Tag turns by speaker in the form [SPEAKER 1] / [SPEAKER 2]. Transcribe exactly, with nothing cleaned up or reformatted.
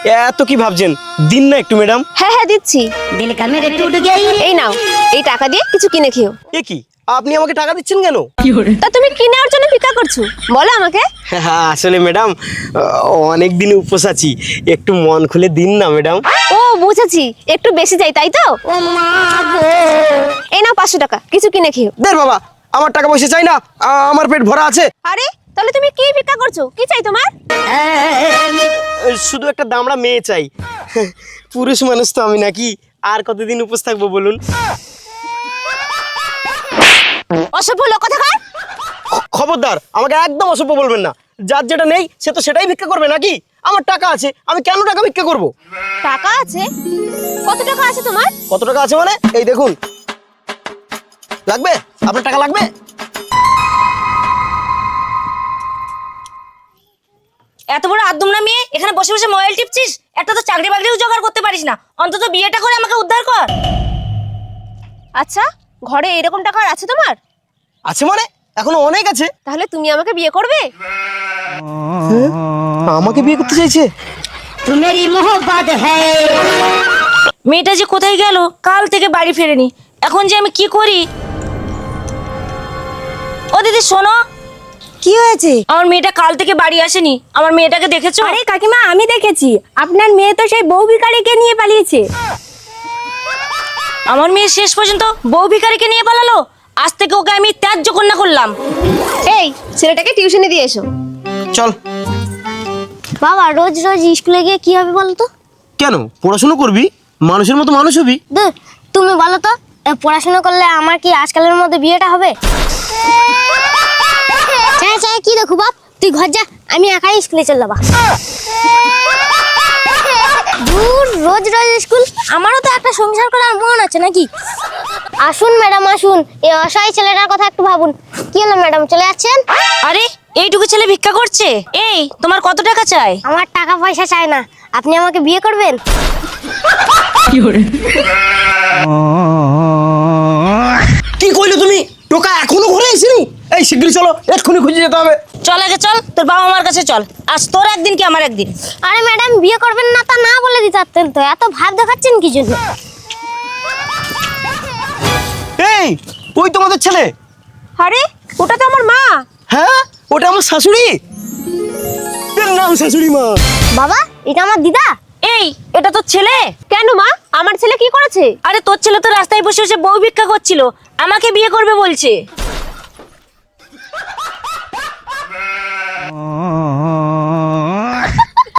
[SPEAKER 1] এত কি ভাবছেন, দিন না একটু ম্যাডাম।
[SPEAKER 2] হ্যাঁ হ্যাঁ দিচ্ছি। এই নাও, এই টাকা দিয়ে কিছু কিনে খেও।
[SPEAKER 1] এ কি, আপনি আমাকে টাকা দিচ্ছেন কেন?
[SPEAKER 2] তা তুমি কি নেওয়ার জন্য ভিক্ষা করছো বলো আমাকে।
[SPEAKER 1] হ্যাঁ আসলে ম্যাডাম অনেক দিন উপোস আছি, একটু মন খুলে দিন না ম্যাডাম।
[SPEAKER 2] ও বুঝেছি, একটু বেশি চাই তাই তো। এই নাও পাঁচশো টাকা, কিছু কিনে খেও।
[SPEAKER 1] দেখ বাবা, আমার টাকা পয়সা চাই না, আ- আমার পেট ভরা আছে।
[SPEAKER 2] আরে তাহলে তুমি কি ভিক্ষা করছো, কি চাই তোমার?
[SPEAKER 1] শুধু একটা দামড়া মেয়ে চাই। পুরুষ মানুষ তো আমি নাকি, আর কতদিন উপোস থাকবো বলুন।
[SPEAKER 2] অসভ্য লোক কোথাকার।
[SPEAKER 1] খবরদার, আমাকে একদম অসভ্য বলবেন না। যার যেটা নেই সে তো সেটাই ভিক্ষা করবে নাকি? আমার টাকা আছে, আমি কেন টাকা ভিক্ষা করব?
[SPEAKER 2] টাকা আছে? কত টাকা আছে তোমার?
[SPEAKER 1] কত টাকা আছে মানে? এই দেখুন। লাগবে? আপনার টাকা লাগবে?
[SPEAKER 3] এত বড় আদম না মেয়ে, এখানে বসে বসে মোবাইল টিপছিস? একটা তো চাকরি বাকরিও জোগাড় করতে পারিস না, অন্তত বিয়েটা করে আমাকে উদ্ধার কর।
[SPEAKER 2] আচ্ছা, ঘরে এরকম টাকা আর আছে তোমার?
[SPEAKER 1] আছে মানে? এখনো অনেক আছে।
[SPEAKER 2] তাহলে তুমি আমাকে বিয়ে করবে?
[SPEAKER 1] আমাকে বিয়ে করতে চাইছে?
[SPEAKER 3] মেয়েটা যে কোথায় গেল, কাল থেকে বাড়ি ফেরেনি, এখন যে আমি কি করি। ও দিদি শোনো।
[SPEAKER 4] কি হয়েছে?
[SPEAKER 3] আমার মেয়েটা কাল থেকে বাড়ি আসেনি, আমার মেয়েটাকে দেখেছো?
[SPEAKER 4] আরে কাকিমা, আমি দেখেছি, আপনার মেয়ে তো সেই বউ ভিখারিকে নিয়ে পালিয়েছে।
[SPEAKER 3] আমার মেয়ে শেষ পর্যন্ত বউ ভিখারিকে নিয়ে পালালো। আজ থেকে ওকে আমি ত্যায্য কন্যা করলাম।
[SPEAKER 2] এই ছেলেটাকে টিউশনে দিয়ে এসো।
[SPEAKER 1] চল।
[SPEAKER 5] বাবা রোজ রোজ স্কুলে গিয়ে কি হবে বলো তো?
[SPEAKER 1] কেন, পড়াশোনা করবি, মানুষের মতো মানুষ হবি।
[SPEAKER 5] দূর, তুমি বলো তো, এ পড়াশোনা করলে আমার কি আজকালের মধ্যে বিয়েটা হবে? চাই চাই কি দেখো বাপ, তুই ঘর যা, আমি একাই স্কুলে চল যাবা। দূর, রোজ রোজ স্কুল, আমারও তো একটা সংসার করার মন আছে নাকি। আসুন ম্যাডাম আসুন, এই অসহায় ছেলেটার কথা একটু ভাবুন। কি হলো ম্যাডাম, চলে যাচ্ছেন?
[SPEAKER 3] আরে এইটুকু ছেলে ভিক্ষা করছে। এই তোমার কত টাকা চাই?
[SPEAKER 5] আমার টাকা পয়সা চাই না, আপনি আমাকে বিয়ে করবেন?
[SPEAKER 1] কি কইলে তুমি? টোকা এখনো ঘরে আসেনি? এই শিগগিরই চলো, এক্ষুনি খুঁজে যেতে হবে।
[SPEAKER 3] চল আগে চল, তোর বাবা মার কাছে চল। আজ তোর একদিন কি আমার একদিন।
[SPEAKER 5] আরে ম্যাডাম, বিয়ে করবেন না তা না বলে দিতে পারতেন তো, এত ভাব দেখাচ্ছেন কি জন্য?
[SPEAKER 1] এই, ওই তোমাদের ছেলে?
[SPEAKER 2] আরে ওটা তো আমার মা।
[SPEAKER 1] হ্যাঁ, ওটা আমার শাশুড়ি। এর নাম শাশুড়ি মা।
[SPEAKER 5] বাবা, এটা আমার দিদা।
[SPEAKER 3] এই এটা তোর ছেলে?
[SPEAKER 2] কেন মা, আমার ছেলে কি করেছে?
[SPEAKER 3] আরে তোর ছেলে তো রাস্তায় বসে বসে বউ ভিক্ষা করছিল, আমাকে বিয়ে করবে বলছে।